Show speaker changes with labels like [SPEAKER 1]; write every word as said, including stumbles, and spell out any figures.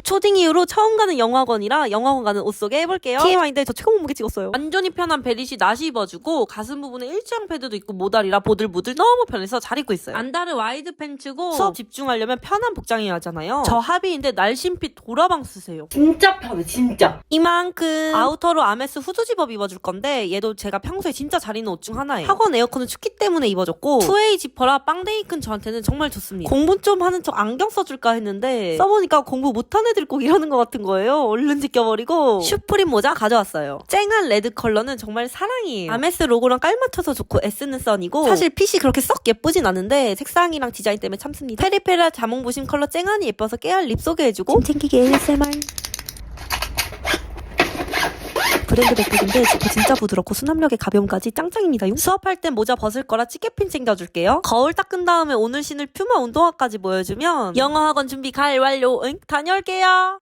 [SPEAKER 1] 초딩 이후로 처음 가는 영어학원이라 영어학원 가는 옷 소개 해볼게요. 티엠아이인데 저 최고 몸무게 찍었어요. 완전히 편한 벨릿이 나시 입어주고 가슴 부분에 일자형 패드도 있고 모달이라 보들보들 너무 편해서 잘 입고 있어요. 안다르 와이드 팬츠고 수업 집중하려면 편한 복장이어야 하잖아요. 저 합의인데 날씬핏 도라방 쓰세요.
[SPEAKER 2] 진짜 편해 진짜.
[SPEAKER 1] 이만큼. 아우터로 아메스 후드 집업 입어줄 건데 얘도 제가 평소에 진짜 잘 입는 옷 중 하나예요. 학원 에어컨은 춥기 때문에 입어줬고 투웨이 지퍼라 빵댕이 큰 저한테는 정말 좋습니다. 공부 좀 하는 척 안경 써줄까 했는데 써보니까 공부 못한 애들 꼭 이러는 것 같은 거예요. 얼른 지켜버리고 슈프림 모자 가져왔어요. 쨍한 레드 컬러는 정말 사랑이에요. 아메스 로고랑 깔맞춰서 좋고 S는 선이고 사실 핏이 그렇게 썩 예쁘진 않은데 색상이랑 디자인 때문에 참습니다. 페리페라 자몽부심 컬러 쨍한이 예뻐서 깨알 립 소개해주고 짐 챙기기 에이에스엠알. 브랜드 백팩인데 지퍼 진짜 부드럽고 수납력의 가벼움까지 짱짱입니다. 수업할 땐 모자 벗을 거라 찌개핀 챙겨줄게요. 거울 닦은 다음에 오늘 신을 퓨마 운동화까지 보여주면 영어학원 준비 갈 완료. 응? 다녀올게요.